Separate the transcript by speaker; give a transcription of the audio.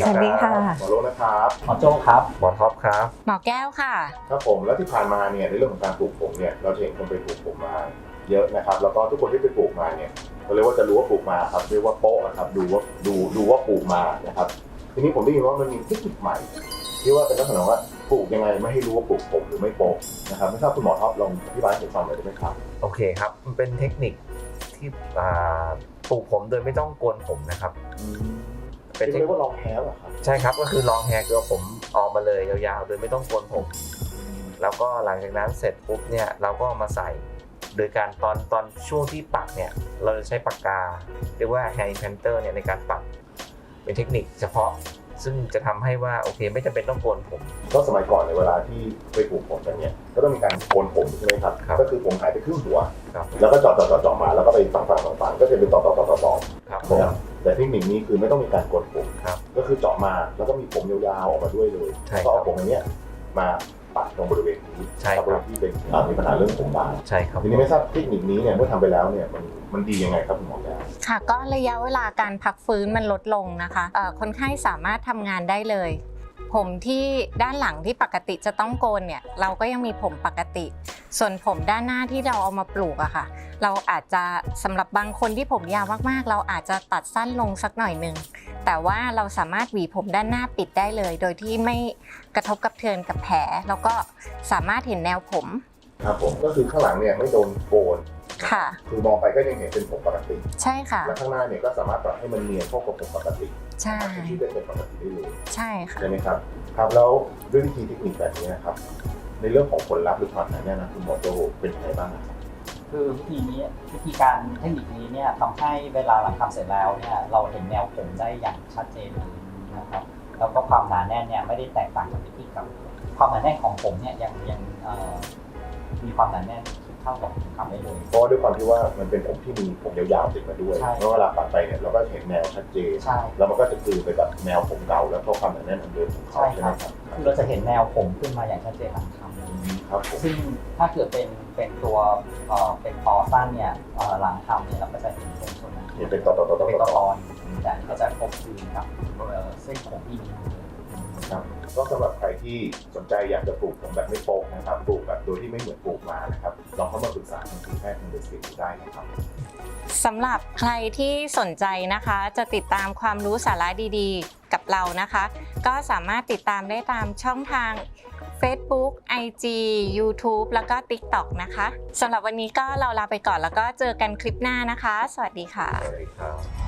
Speaker 1: สวัสดีค่ะ
Speaker 2: หมอโลนะครับ
Speaker 3: หมอโจ้ครับ
Speaker 4: หมอท็อปครับ
Speaker 1: หมอแก้วค่ะ
Speaker 2: ครับผมแล้วที่ผ่านมาเนี่ยในเรื่องของการปลูกผมเนี่ยเราจะเห็นคนไปปลูกผมมาเยอะนะครับแล้วก็ทุกคนที่ไปปลูกมาเนี่ยเราเรียกว่าจะรู้ว่าปลูกมาครับเรียกว่าโป๊ะนะครับดูว่าปลูกมานะครับทีนี้ผมได้ยินว่ามันมีเทคนิคใหม่ที่ว่าเป็นลักษณะว่าปลูกยังไงไม่ให้รู้ว่าปลูกผมหรือไม่โป๊ะนะครับไม่ทราบคุณหมอท็อปลองอธิบายให้ผมฟังหน่อยได้ไหมครับ
Speaker 4: โอเคครับมันเป็นเทคนิคที่ปลูกผมโดยไม่ต้องโกนผมนะครับเป็นเทค
Speaker 2: เรี
Speaker 4: นิ
Speaker 2: ย
Speaker 4: ค
Speaker 2: กว่าลองแฮร์เหรอครับ
Speaker 4: ใช่ครับก็คือลองแฮร์คือเอาผมออกมาเลยยาวๆโดยไม่ต้องโกนผม แล้วก็หลังจากนั้นเสร็จปุ๊บเนี่ยเราก็เอามาใส่โดยการตอนช่วงที่ปักเนี่ยเราจะใช้ปากกาเรียกว่า hair implanter เนี่ยในการปักเป็นเทคนิคเฉพาะซึ่งจะทำให้ว่าโอเคไม่จำเป็นต้องโกนผม
Speaker 2: ก็สมัยก่อนในเวลาที่ไปปลูกผมกันเนี่ยก็ต้องมีการโกนผมใช่ไหมครับ
Speaker 4: ครับ
Speaker 2: ก็คือผมหายไปครึ่งหัว
Speaker 4: ครับ
Speaker 2: แล้วก็เจาะมาแล้วก็ไปฝังก็จะเป็นต่อ
Speaker 4: ครับ
Speaker 2: นะครับแต่เทคนิคนี้คือไม่ต้องมีการโกนผม
Speaker 4: ครับ
Speaker 2: ก็คือเจาะมาแล้วก็มีผมยาวๆออกมาด้วยเลย
Speaker 4: ใช่
Speaker 2: แล้ว
Speaker 4: ค
Speaker 2: ก็
Speaker 4: รับ
Speaker 2: เอาผมอันเนี้ยมาปัดตรงบริเวณนี้
Speaker 4: ใช่ครับ
Speaker 2: บริเวณที่เป็นมีปัญหาเรื่องผมบาง
Speaker 4: ใช่ครับ
Speaker 2: ทีนี้ไม่ทราบเทคนิคนี้เนี่ยเมื่อทำไปแล้วเนี่ยมันดียังไงครับคุณหมอแก้ว
Speaker 1: ค่ะก็ระยะเวลาการพักฟื้นมันลดลงนะคะคนไข้สามารถทำงานได้เลย ผมที่ด้านหลังที่ปกติจะต้องโกนเนี่ยเราก็ยังมีผมปกติ ส่วนผมด้านหน้าที่เราเอามาปลูกอะค่ะเราอาจจะสำหรับบางคนที่ผมยาวมากๆเราอาจจะตัดสั้นลงสักหน่อยนึงแต่ว่าเราสามารถหวีผมด้านหน้าปิดได้เลย โดยที่ไม่กระทบกระเทือนกับแผลแล้วก็สามารถเห็นแนวผม
Speaker 2: ครับผมก็คือข้างหลังเนี่ยไม่โดนโกน
Speaker 1: ค่ะ
Speaker 2: คือมองไปก็ยังเห็นเป็นผมปกติ
Speaker 1: ใช่ค่ะ
Speaker 2: และข้างหน้าเนี่ยก็สามารถปรับให้มันเนียนเข้ากับผมปกติ
Speaker 1: ใช่
Speaker 2: ที่ได้เป็นปกติได้เลย
Speaker 1: ใช่ค่ะ
Speaker 2: ใช่ไหมครับครับแล้วด้วยวิธีเทคนิคแบบนี้นะครับในเรื่องของผลลัพธ์หรือความหนาแน่นนะคุณหมอโจเป็นยังไงบ้างครับ
Speaker 3: คือวิธีการเทคนิคนี้เนี่ยทำให้เวลาหลังทำเสร็จแล้วเนี่ยเราเห็นแนวผมได้อย่างชัดเจนเลยนะครับแล้วก็ความหนาแน่นเนี่ยไม่ได้แตกต่างจากวิธีเก่าความหนาแน่นของผมเนี่ยยังมีความหนาแน่นเท่ากับทำได้เลย
Speaker 2: เพราะว่าด้วยความที่ว่ามันเป็นผมที่มีผมยาวๆติดมาด้วย
Speaker 3: ใช่
Speaker 2: เพราะเวลาปัดไปเนี่ยเราก็เห็นแนวชัดเจน
Speaker 3: ใช่
Speaker 2: แล้วมันก็จะคือไปกับแนวผมเก่าแล้วก็ความหนาแน่นอันเดิมของเขา
Speaker 3: ใช่
Speaker 2: ใช่
Speaker 3: ค
Speaker 2: ไหม
Speaker 3: รับ
Speaker 2: ครับ
Speaker 3: คือเราจะเห็นแนวผมขึ้นมาอย่างชัดเจนหลังทำเลย
Speaker 2: ครับผม
Speaker 3: ซึ่งถ้าเกิดเป็นตัวเป็นตอสั้นเนี่ยหลังทำเนี่ยเราก็จะเห็นเป็นส่วนนั้น
Speaker 2: เห็นเป็นต่อ
Speaker 3: เป็นตอนแต่อันนี้ก็จะครบคลุมกับเส้นผมที่มีอยู่เลย
Speaker 2: ครับก็สำหรับใครที่สนใจอยากจะปลูกผมแบบไม่โป๊กนะครับปลูกแบบโดยที่ไม่เหมือนปลูกมานะครับลองเข้ามาปรึกษาทางทีมแพทย์ทางเดสิกได้นะครับ
Speaker 1: สำหรับใครที่สนใจนะคะจะติดตามความรู้สาระดีๆกับเรานะคะ ก็สามารถติดตามได้ตามช่องทาง Facebook IG YouTube แล้วก็ TikTok นะคะสำหรับวันนี้ก็เราลาไปก่อนแล้วก็เจอกันคลิปหน้านะคะ สวัสดีค่ะ
Speaker 4: สวัสดีครับ